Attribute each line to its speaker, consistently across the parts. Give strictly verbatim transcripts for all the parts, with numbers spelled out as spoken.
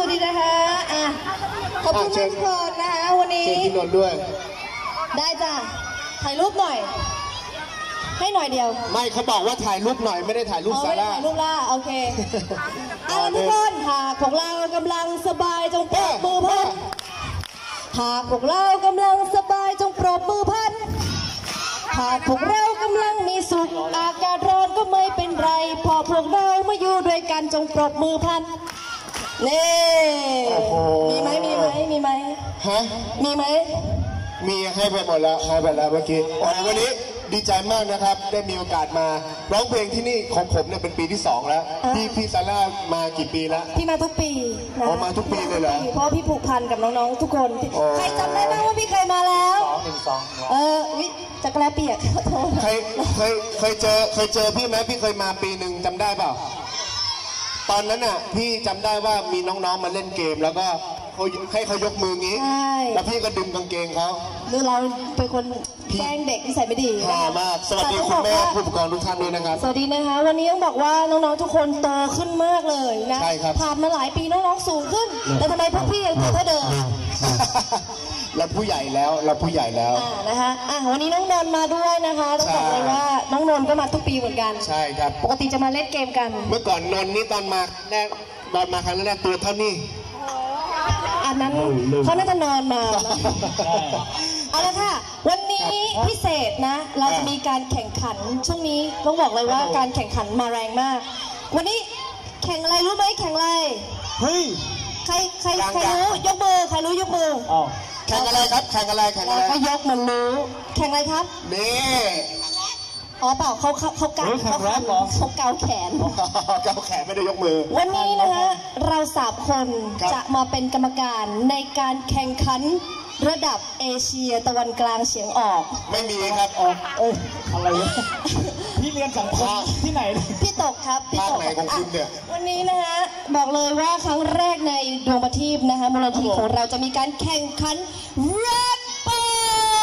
Speaker 1: ดีนะคะอ่ะขอบคุณทุกคนนะคะวันนี้
Speaker 2: เชิญพี่นนท์ด้วย
Speaker 1: ได้จ้ะถ่ายรูปหน่อยให้หน่อยเดียว
Speaker 2: ไม่เขาบอกว่าถ่ายรูปหน่อยไม่ได้ถ่ายรูปซาร่า
Speaker 1: ถ่ายรูปล่าโอเคเอาทุกคนหากพวกเรากำลังสบายจงปรบมือพันหากพวกเรากำลังสบายจงปรบมือพันหากพวกเรากำลังมีสุขอากาศร้อนก็ไม่เป็นไรพอพวกเรามาอยู่ด้วยกันจงปรบมือพันนี่มีไหมมีไหมมีไหม
Speaker 2: ฮะ
Speaker 1: มีไหม
Speaker 2: มีให้ไปหมดแล้วให้ไปแล้วเมื่อกี้โอ้วันนี้ดีใจมากนะครับได้มีโอกาสมาร้องเพลงที่นี่ของผมเนี่ยเป็นปีที่สองแล้วพี่พี่ซาร่ามากี่ปีแล้ว
Speaker 1: พี่มาทุกปี
Speaker 2: นะมาทุกปีเลยเหรอ
Speaker 1: เพราะพี่ผูกพันกับน้องๆทุกคนใครจำได้บ้างว่าพี่เคยมาแล้ว
Speaker 2: สองหนึ่งสอง
Speaker 1: เออวิจักรแลเปียก
Speaker 2: เคยเคยเคยเจอเคยเจอพี่ไหมพี่เคยมาปีหนึ่งจำได้เปล่าตอนนั้นน่ะพี่จำได้ว่ามีน้องๆมาเล่นเกมแล้วก็ให้เขายกมืองี้แล้วพี่ก็ดึงกางเกงเขา
Speaker 1: ดูเราเป็นคนแกล้งเด็กที่ใส่ไม่ดี
Speaker 2: ค่ะมากสวัสดีคุณแม่ผู้ปกครองทุกท่านด้วยนะครับ
Speaker 1: สวัสดีนะคะวันนี้ต้องบอกว่าน้องๆทุกคนโตขึ้นมากเลยนะ
Speaker 2: ใช่ครับ
Speaker 1: ผ่านมาหลายปีน้องๆสูงขึ้นแต่ทำไมพวกพี่ยังตัวเท่าเดิม
Speaker 2: เราผู้ใหญ่แล้วเราผู้ใหญ่แล้ว
Speaker 1: นะคะอ่ะวันนี้น้องนนท์มาด้วยนะคะต้องบอกเลยว่าน้องนนท์ก็มาทุกปีเหมือนกัน
Speaker 2: ใช่ครับ
Speaker 1: ปกติจะมาเล่นเกมกัน
Speaker 2: เมื่อก่อนนนท์นี่ตอนมาแรกตอนมาครั้งแรกตัวเท่านี้
Speaker 1: อันนั้นเขาน่าจะนอนมาเอาละค่ะวันนี้พิเศษนะเราจะมีการแข่งขันช่วงนี้ต้องบอกเลยว่าการแข่งขันมาแรงมากวันนี้แข่งอะไรรู้ไหมแข่งอะไร
Speaker 2: เฮ้ย
Speaker 1: ใครใครใครรู้ยกมือใครรู้ยกมือ
Speaker 2: แข่งอะไรครับแข่งอะไรแข่งอะไร
Speaker 1: ก็ยกมันรู้แข่งอะไรครับ
Speaker 2: นี่
Speaker 1: อ๋อเปล่าเขาเขาเขาเกาเขาเขาเกาแขน
Speaker 2: เกาแขนไม่ได้ยกมือ
Speaker 1: วันนี้นะคะเราสามคนจะมาเป็นกรรมการในการแข่งขันระดับเอเชียตะวันกลางเฉียงออก
Speaker 2: ไม่มีครับออก
Speaker 3: เอ้ยอะไรพี่เรียนสังคมที่ไหน
Speaker 1: พี่ตกครับ
Speaker 2: พี่ตกไหนของคุณเนี่ย
Speaker 1: วันนี้นะคะบอกเลยว่าครั้งแรกในดวงประทีปนะคะมูลนิธิของเราจะมีการแข่งขันแรปเปอร์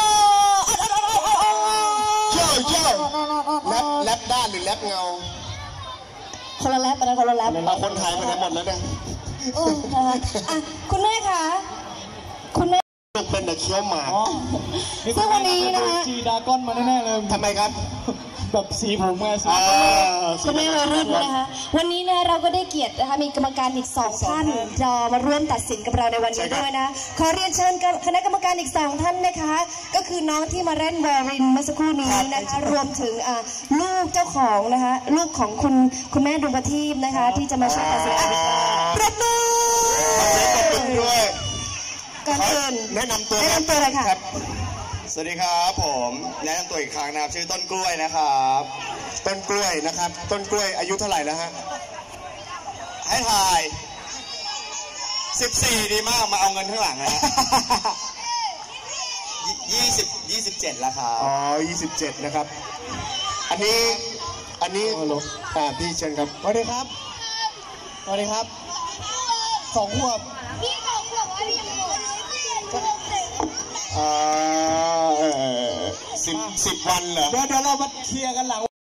Speaker 2: เจ้าแรปแรปด้านหรือแรปเงา
Speaker 1: คนละแรปนะคนละแรป
Speaker 2: เราคนไทยมาได้หมดแล้วเนี่ย
Speaker 1: คุณแม่คะคุณแม่
Speaker 2: เป็นเด็กเคี้ยวหมาก
Speaker 1: ซึ่งวันนี้นะคะ
Speaker 3: จีดาก้อนมาแน่ๆเลย
Speaker 2: ทำไมครับ
Speaker 3: แบบสีผมไงสี
Speaker 1: คุณแม่มารุ่นนะคะวันนี้นะเราก็ได้เกียรตินะคะมีกรรมการอีกสองท่านจะมาร่วมตัดสินกับเราในวันนี้ด้วยนะขอเรียนเชิญคณะกรรมการอีกสองท่านนะคะก็คือน้องที่มาเล่นวอรินเมื่อสักครู่นี้นะคะรวมถึงลูกเจ้าของนะคะลูกของคุณคุณแม่ดวงประทีปนะคะที่จะมาช่วยตัดสินประตู
Speaker 2: ด้วย
Speaker 1: ก่อนอื่น
Speaker 2: แนะนำตัว
Speaker 1: แนะนำตัวเลยค่ะ
Speaker 2: สวัสดีครับผมแนะนำตัวอีกครั้งนะครับชื่อต้นกล้วยนะครับต้นกล้วยนะครับต้นกล้วยอายุเท่าไหร่แล้วฮะให้ถ่ายสิบสี่ดีมากมาเอาเงินข้างหลังนะฮะยี่สิบยี่สิบเจ็ดแล้วครับอ๋อยี่สิบเจ็ดนะครับอันนี้อันนี้อ่าพี่เชิญครับ
Speaker 3: สวัสดีครับสวัสดีครับสองขวบ
Speaker 4: พี่สองขวบว่าพี่ยังโต
Speaker 2: อ่าสิบสิบวันเหรอ
Speaker 3: เดี๋ยวเดี๋ยวเรามาเคลียร์กันหลัง